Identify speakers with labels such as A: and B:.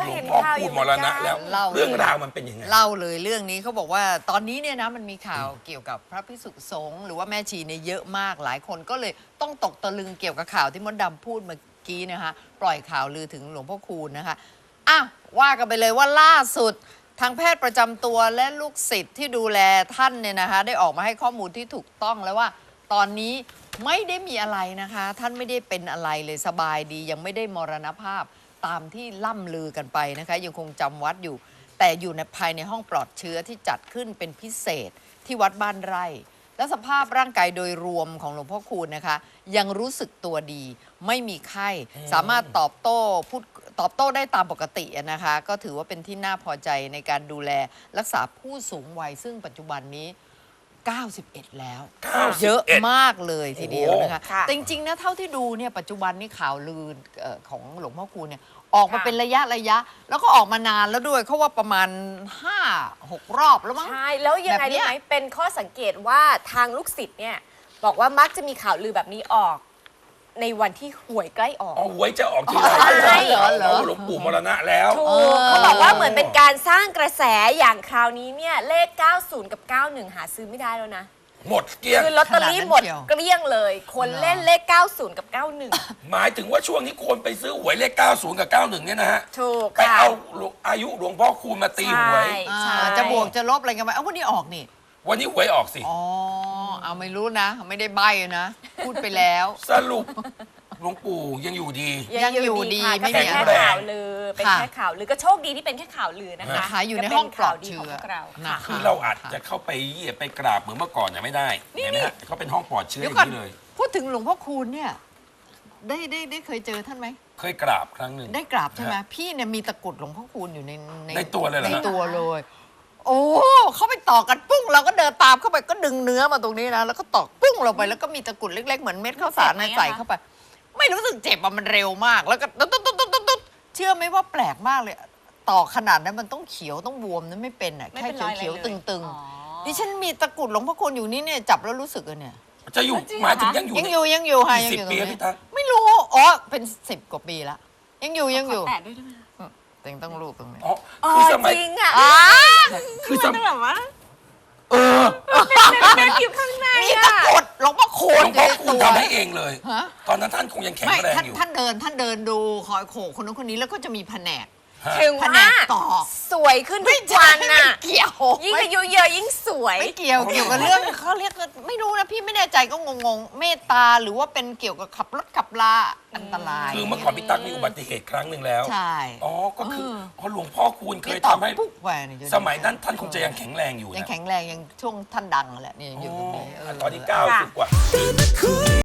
A: หลวงพ่อคูณมรณะแล้วเรื่องราวมันเป็นยังไง
B: เล่าเลยเรื่องนี้เขาบอกว่าตอนนี้เนี่ยนะมันมีข่าวเกี่ยวกับพระภิกษุสงฆ์หรือว่าแม่ชีเนี่ยเยอะมากหลายคนก็เลยต้องตกตะลึงเกี่ยวกับข่าวที่มดดำพูดเมื่อกี้นะคะปล่อยข่าวลือถึงหลวงพ่อคูณนะคะอ้าวว่ากันไปเลยว่าล่าสุดทางแพทย์ประจำตัวและลูกศิษย์ที่ดูแลท่านเนี่ยนะคะได้ออกมาให้ข้อมูลที่ถูกต้องแล้วว่าตอนนี้ไม่ได้มีอะไรนะคะท่านไม่ได้เป็นอะไรเลยสบายดียังไม่ได้มรณภาพตามที่ล่ำลือกันไปนะคะยังคงจำวัดอยู่แต่อยู่ในภายในห้องปลอดเชื้อที่จัดขึ้นเป็นพิเศษที่วัดบ้านไร่ และสภาพร่างกายโดยรวมของหลวงพ่อคูณนะคะยังรู้สึกตัวดีไม่มีไข้สามารถตอบโต้ได้ตามปกตินะคะก็ถือว่าเป็นที่น่าพอใจในการดูแลรักษาผู้สูงวัยซึ่งปัจจุบันนี้ 91 แล้วเยอะมากเลยทีเดียวนะคะแต่จริงๆนะเท่าที่ดูเนี่ยปัจจุบันนี้ข่าวลือของหลวงพ่อคูณเนี่ยออกมาเป็นระยะแล้วก็ออกมานานแล้วด้วยเขาว่าประมาณ 5-6 รอบแล้วมั้ง
C: ใช่แล้วยังไงรู้ไหมเป็นข้อสังเกตว่าทางลูกศิษย์เนี่ยบอกว่ามักจะมีข่าวลือแบบนี้ออกในวันที่หวยใกล้ออก
A: หวยจะออกที่ไหนหลวงปู่มรณะแล้ว
C: ถูกเขาบอกว่าเหมือนเป็นการสร้างกระแสอย่างคราวนี้เนี่ยเลข 90 กับ 91 หาซื้อไม่ได้แล้วนะ
A: หมดเกลี้ยง
C: คือลอตเตอรี่หมดเกลี้ยงเลยคนเล่นเลข 90 กับ 91
A: หมายถึงว่าช่วงนี้คนไปซื้อหวยเลข 90 กับ 91 เนี่ยนะฮะ
C: ถูก
A: ไปเอาอายุหลวงพ่อคูณมาตีหวย
B: จะบวกจะลบอะไรกันไหมวันนี้ออกนี่
A: วันนี้หวยออกสิ
B: เอาไม่รู้นะไม่ได้ใบ้นะพูดไปแล้ว
A: สรุปหลวงปู่ยังอยู่ดี
B: ยังอยู่ดี
C: ไม่มีแค่ข่าวลือเป็นแค่ข่าวลือก็โชคดีที่เป็นแค่ข่าวลือนะคะ
B: อยู่ในห้องปลอดเชื้อ
A: คือเราอาจจะเข้าไปเยี่ยไปกราบเหมือนเมื่อก่อนเนี่ยไม่ได้เห็นไหมฮะเขาเป็นห้องปลอดเชื้ออย่างนี้เลย
B: พูดถึงหลวงพ่อคูณเนี่ยได้เคยเจอท่านไหม
A: เคยกราบครั้งหนึ่ง
B: ได้กราบใช่ไหมพี่เนี่ยมีตะกุดหลวงพ่อคูณอยู่
A: ในตัวเลยเหรอ
B: ในตัวเลยโอ้เขาไปต่อกันปุ้งเราก็เดินตามเข้าไปก็ดึงเนื้อมาตรงนี้นะแล้วก็ตอกปุ้งลงไปแล้วก็มีตะกุดเล็กๆเหมือนเม็ดข้าวสารใส่เข้าไปไม่รู้สึกเจ็บมันเร็วมากแล้วก็ตุ๊ดเชื่อไหมว่าแปลกมากเลยต่อขนาดนั้นมันต้องเขียวต้องบวมนั้นไม่เป็นอ่ะแค่เขียวๆตึงๆดิฉันมีตะกุดหลวงพ่อคูณอยู่นี่เนี่ยจับแล้วรู้สึกเลยเนี่ย
A: จะอยู่หมายถึงยังอยู่
B: ค่ะ
A: ยังอยู่ตรงนี้
B: ไม่รู้เป็น10 กว่าปีละยังอยู่
C: แตะด้วยได้ไหม
B: แต่ต้องรูปตรงนี้
A: คือสมัย
C: จริงอ่ะ
A: คือสมัย
C: แบบว่าอยู่ข้างใน
B: มีตะกุดหลวงพ่อคูณ
A: หลวงพ่อคูณทำให้เองเลยตอนนั้นท่านคงยังแข็งแรงอยู่
B: ท่านเดินดูคอยโขกคนนู้นคนนี้แล้วก็จะมีแผนก
C: ถึงว่าสวยขึ้นทุกวันน่ะ
B: เกี่ยว
C: ยิ่งอายุเยอะยิ่งสวย
B: ไม่เกี่ยวกับเรื่องเขาเรียกไม่รู้นะพี่ไม่แน่ใจก็งงเมตตาหรือว่าเป็นเกี่ยวกับขับรถขับลาอันตราย
A: คือเมื่อก่อนพี่ตั๊กมีอุบัติเหตุครั้งหนึ่งแล้ว
B: ใช่
A: ก็คือหลวงพ่อคูณเคยทำให้สมัยนั้นท่านคงจะยังแข็งแรงอยู่
B: ยังแข็งแรงยังช่วงท่านดังแหละนี่อยู่ตรงนี้
A: ตอนนี้90 กว่า